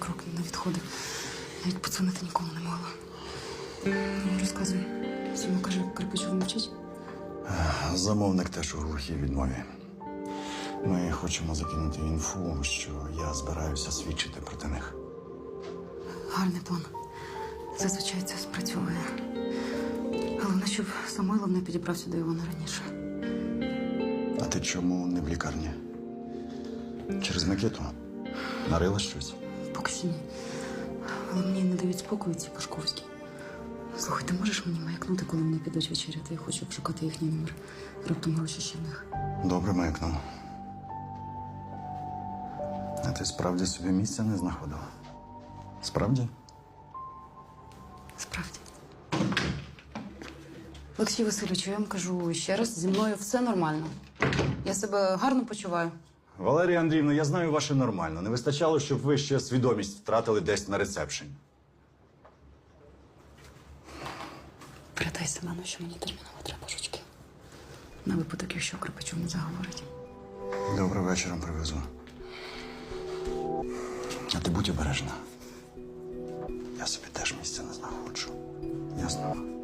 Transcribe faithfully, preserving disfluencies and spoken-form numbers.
крок не відходив. Навіть подзвонити нікому не могла. Ну, розказуй. Сьому каже, Карпичов не вчить? Замовник теж у глухій відмові. Ми хочемо закинути інфу, що я збираюся свідчити проти них. Гарний план. Зазвичай це спрацьовує. Головне, щоб Самойлов не підібрався до Івана раніше. А ти чому не в лікарні? Через Микиту? Нарила щось? Поки що ні. Але мені не дають спокою ці Пашковські. Слухай, ти можеш мені маякнути, коли вони підуть вечеряти? Я хочу обшукати їхній номер. Раптом гроші ще в них. Добре, маякну. А ти справді собі місця не знаходила? Справді? Справді. Олексій Васильович, я вам кажу ще раз, зі мною все нормально. Я себе гарно почуваю. Валерія Андріївна, я знаю ваше нормально. Не вистачало, щоб ви ще свідомість втратили десь на ресепшені. Передай Семену, що мені терміново треба жучки. На випадок, якщо Карпичов не заговорить. Добре, вечором привезу. А ти будь обережна. Я собі теж місця не знаходжу. Ясно?